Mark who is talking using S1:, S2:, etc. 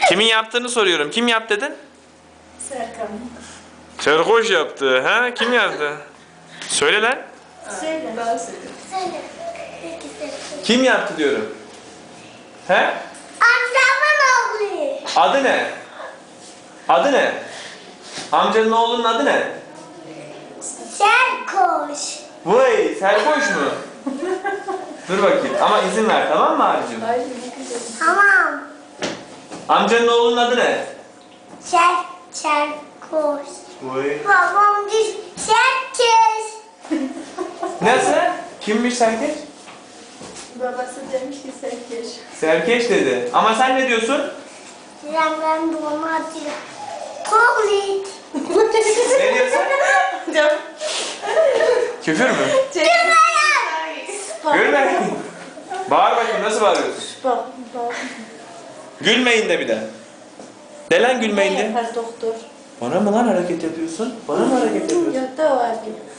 S1: Kimin yaptığını soruyorum. Kim yap dedin?
S2: Serkan.
S1: Serkoş yaptı. Ha? Kim yaptı? Söyle lan.
S2: Söyle. Ben söyleyeyim.
S3: Söyle.
S1: Kim yaptı diyorum. He?
S3: Amcamın oğlu.
S1: Adı ne? Adı ne? Amcanın oğlunun adı ne?
S3: Serkoş.
S1: Vay, Serkoş mu? Dur bakayım ama izin ver, tamam mı abicim?
S2: Ay ne güzel.
S3: Tamam.
S1: Amcanın oğlunun adı ne?
S3: Serkoş.
S1: Vay.
S3: Babam diş Serkeş.
S1: Nasıl? Kimmiş Serkeş?
S2: Babası demiş ki Serkeş.
S1: Serkeş dedi. Ama sen ne diyorsun?
S3: Ben doğma atıyor. Kovlit.
S1: Ne diyorsun? Küfür mü? Gülme. Bağır bakayım, nasıl bağırıyorsun?
S2: Bak bak.
S1: Gülmeyin de bir de. De lan gülmeyin
S2: Ne
S1: de.
S2: yapar doktor?
S1: Bana mı lan hareket yapıyorsun? Bana mı hareket yapıyorsun?
S2: Yok da o abi.